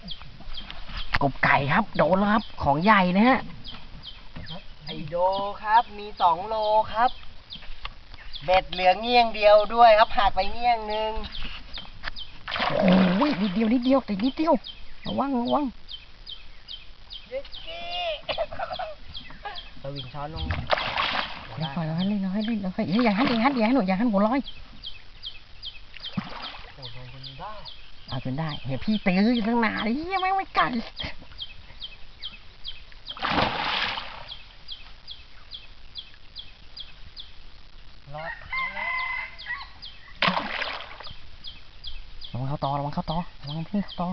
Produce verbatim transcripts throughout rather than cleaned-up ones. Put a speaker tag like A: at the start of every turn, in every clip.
A: กบไก่ครับโดนแล้วครับของใหญ่นะฮะ
B: ไอโดครับมีสองโลครับเบ็ดเหลืองเงี้ยงเดียวด้วยครับหักไปเงี้ยงหนึ่ง
A: โอ้ยนิดเดียวนิดเดียวแต่นิดเดียวระวังระวัง
B: เด็กกี้สวิงช้อนลง
A: เดี๋ยวก่อนเราให้เล่นเราให้เล่นเราให้อย่าหันอย่าหันอย่าหันหนูอย่าหันหัวลอย
B: โอ้โหโดนจนได้
A: เอาจนได้เห็นพี่ตื้ออยู่ตั้งนานเลยยังไม่ไม่ไก่
B: รอด
A: ระวังเข้าต่อระวังเข้าต่อระวังพี่เข้าต่อ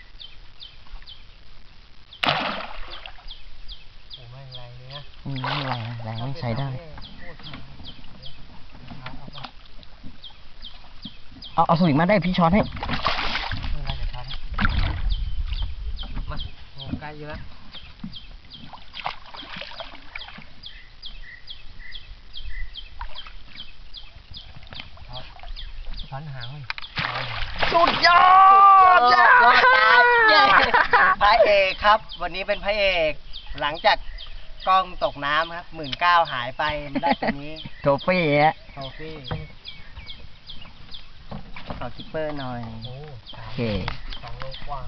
B: โอ้แม่งแรงเลยนะ
A: อืมแรงแรงไม่ใช้ได้เอาเอาสวิงมาได้พี่ช้อนให้
B: ไม่ไรจะทำมาโอ้ใกล้เยอะช้อนหางเลย
A: สุดยอด
B: รอดตายเย้พระเอกครับ วันนี้เป็นพระเอก หลังจากกล้องตกน้ำครับหมื่นเก้าหายไปได้ตัวนี้
A: โทฟี่ฮะ
B: โทฟี่ขอคิปเปอร์หน่อย
A: โอเค
B: สองโลกว่า